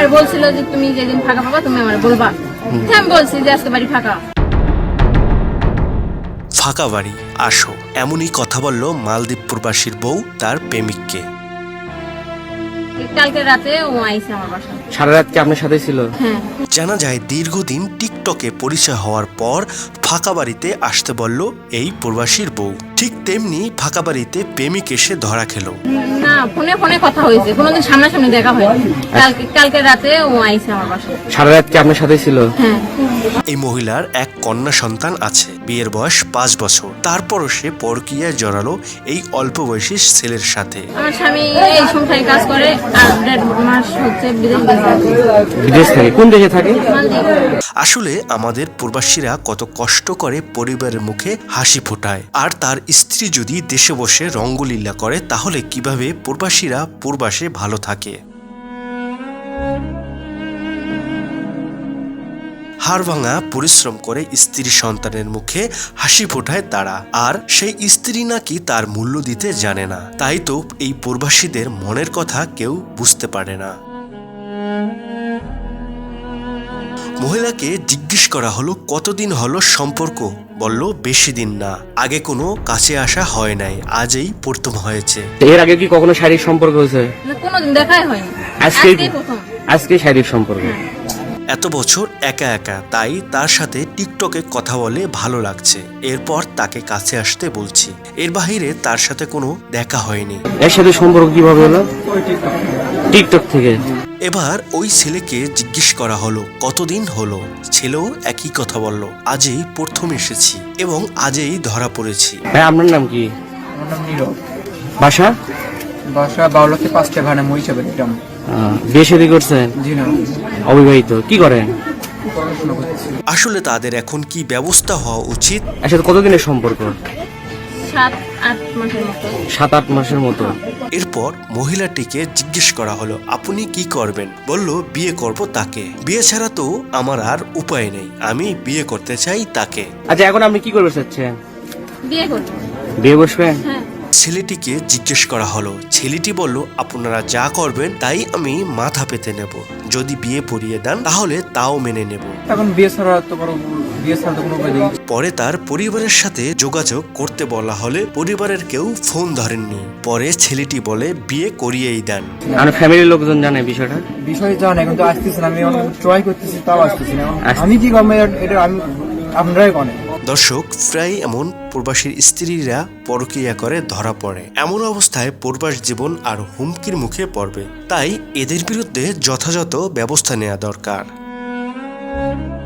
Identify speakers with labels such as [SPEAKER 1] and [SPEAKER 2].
[SPEAKER 1] আমার বলছিল যে তুমি যেদিন ফাঁকা পাবা তুমি আমার বলবা। আমি বলছি যে আজকে বাড়ি ফাঁকা।
[SPEAKER 2] ফাঁকা বাড়ি আসো, এমনই কথা বলল মালদ্বীপ প্রবাসীর বউ তার প্রেমিককে।
[SPEAKER 1] কালকে রাতে ও আইছে আমার বাসায়।
[SPEAKER 3] সারা রাত কি আপনার সাথে ছিল?
[SPEAKER 1] হ্যাঁ।
[SPEAKER 2] জানা যায় দীর্ঘদিন টিকটকে পরিচয় হওয়ার পর ফাঁকা বাড়িতে আসতে বলল এই প্রবাসীর বউ। ঠিক তেমনি ফাঁকা বাড়িতে প্রেমিক এসে ধরা খেলো।
[SPEAKER 1] না, ফোনে ফোনে কথা হয়েছে, কোনোদিন সামনাসামনি দেখা হয়নি। কালকে রাতে ও আইছে আমার বাসায়।
[SPEAKER 3] সারা রাত কি আপনার সাথে ছিল?
[SPEAKER 1] হ্যাঁ।
[SPEAKER 2] এই মহিলার এক কন্যা সন্তান আছে, বিয়ের বয়স 5 বছর। তারপরও সে পরকীয়ায় জড়ালো এই অল্প বয়সী ছেলের সাথে।
[SPEAKER 1] আমার স্বামী এই সংসারে কাজ করে আর 1.5 মাস হচ্ছে
[SPEAKER 3] বিদেশ থাকে। কোন দেশে থাকে?
[SPEAKER 2] আসলে আমাদের প্রবাসীরা কত কষ্ট করে পরিবারের মুখে হাসি ফোটায়, আর তার স্ত্রী যদি দেশে বসে রঙ্গলীলা করে তাহলে কিভাবে প্রবাসীরা প্রবাসে ভালো থাকে। হাড়ভাঙা পরিশ্রম করে স্ত্রী সন্তানের মুখে হাসি ফোটায় তারা, আর সেই স্ত্রী নাকি তার মূল্য দিতে জানে না। তাই তো এই প্রবাসীদের মনের কথা কেউ বুঝতে পারে না। মহিলাকে জিজ্ঞেস করা হলো কতদিন হলো সম্পর্ক, বলল বেশি দিন না, আগে কোনো কাছে আসা হয় নাই, আজই প্রথম হয়েছে।
[SPEAKER 3] এর আগে কি কখনো শারীরিক সম্পর্ক হয়েছে?
[SPEAKER 1] কোনোদিন দেখাই হয়নি,
[SPEAKER 3] আজকেই
[SPEAKER 1] প্রথম।
[SPEAKER 3] আজকে শারীরিক সম্পর্ক।
[SPEAKER 2] এত বছর একা একা, তাই তার সাথে টিকটকে কথা বলে ভালো লাগছে, এরপর তাকে কাছে আসতে বলছি। এর বাহিরে তার সাথে কোনো দেখা হয়নি।
[SPEAKER 3] এর সাথে সম্পর্ক কিভাবে হলো? টিকটক থেকে।
[SPEAKER 2] এবার ওই ছেলেকে জিজ্ঞেস করা হলো কতদিন হলো। ছেলেও একই কথা বলল, আজই প্রথম এসেছি এবং আজই ধরা পড়েছি।
[SPEAKER 3] ভাই আপনার নাম কি?
[SPEAKER 4] আমার নাম নীরব।
[SPEAKER 3] বাসা?
[SPEAKER 4] বাসা বাউলাতে 5টা ভাড়া মহিষাবে গ্রাম।
[SPEAKER 3] বিয়ে শাদী করছেন?
[SPEAKER 4] জি না,
[SPEAKER 3] অবিবাহিত। কি করেন?
[SPEAKER 4] পড়াশোনা করতেছি।
[SPEAKER 2] আসলে তাদের এখন কি ব্যবস্থা হওয়া উচিত?
[SPEAKER 3] এর সাথে কতদিনের সম্পর্ক?
[SPEAKER 1] 7-8 মাসের মতো।
[SPEAKER 3] 7-8 মাসের মতো।
[SPEAKER 2] এরপর মহিলাটিকে জিজ্ঞেস করা হলো আপনি কি করবেন, বলল বিয়ে করব তাকে, বিয়ে ছাড়া তো আমার আর উপায় নেই, আমি বিয়ে করতে চাই তাকে।
[SPEAKER 3] আচ্ছা, এখন আপনি কি করতে চাচ্ছেন?
[SPEAKER 1] বিয়ে করবো।
[SPEAKER 3] বিয়ে বসবেন?
[SPEAKER 1] হ্যাঁ।
[SPEAKER 2] ছেলেটিকে জিজ্ঞেস করা হলো, ছেলেটি বলল আপনারা যা করবেন তাই আমি মাথা পেতে নেব, যদি বিয়ে পড়িয়ে দেন তাহলে তাও মেনে নেব।
[SPEAKER 4] এখন বিয়ে ছাড়া তো কোনো উপায় নেই।
[SPEAKER 2] পরে তার পরিবারের সাথে যোগাযোগ করতে বলা হলে পরিবারের কেউ ফোন ধরেননি। পরে ছেলেটি বলে বিয়ে করিয়েই দেন।
[SPEAKER 3] আমার ফ্যামিলির লোকজন জানে বিষয়টা?
[SPEAKER 4] বিষয় জানে কিন্তু আসতেছে না, আমি ট্রাই করতেছি তাও আসতেছি না। আমি কি করবো এটা আমি আপনারাই বলেন।
[SPEAKER 2] দর্শক, প্রায় এমন প্রবাসীর স্ত্রীরা পরকীয়া করে ধরা পড়ে। এমন অবস্থায় প্রবাস জীবন আর হুমকির মুখে পড়বে, তাই এদের বিরুদ্ধে যথাযথ ব্যবস্থা নেওয়া দরকার।